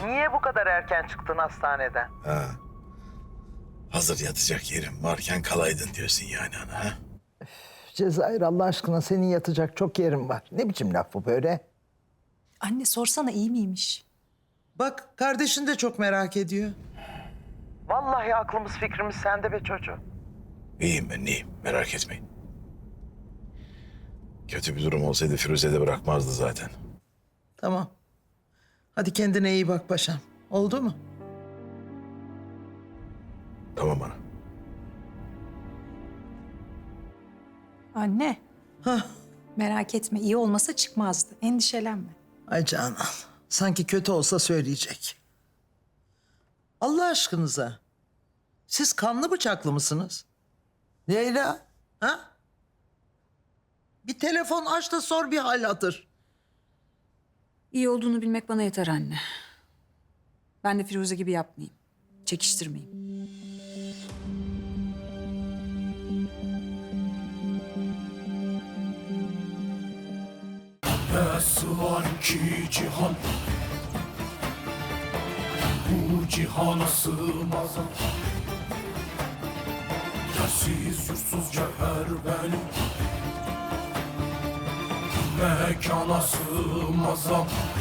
Niye bu kadar erken çıktın hastaneden? Ha. Hazır yatacak yerim varken kalaydın diyorsun yani ana ha? Cezayir, Allah aşkına senin yatacak çok yerin var. Ne biçim laf bu böyle? Anne sorsana iyi miymiş? Bak kardeşin de çok merak ediyor. Vallahi aklımız fikrimiz sende be çocuğum. İyiyim ben iyiyim merak etmeyin. Kötü bir durum olsaydı Firuze de bırakmazdı zaten. Tamam. Hadi kendine iyi bak paşam. Oldu mu? Tamam ana. Anne. Hah. Merak etme iyi olmasa çıkmazdı. Endişelenme. Ay Canan. Sanki kötü olsa söyleyecek. Allah aşkınıza. Siz kanlı bıçaklı mısınız? Leyla. Ha? Bir telefon aç da sor bir hal hatır. İyi olduğunu bilmek bana yeter anne. Ben de Firuze gibi yapmayayım. Çekiştirmeyeyim. Nasıl var ki cihan, bu cihana sığmaz. Yersiz yursuz cevher benim, mekana sığmaz.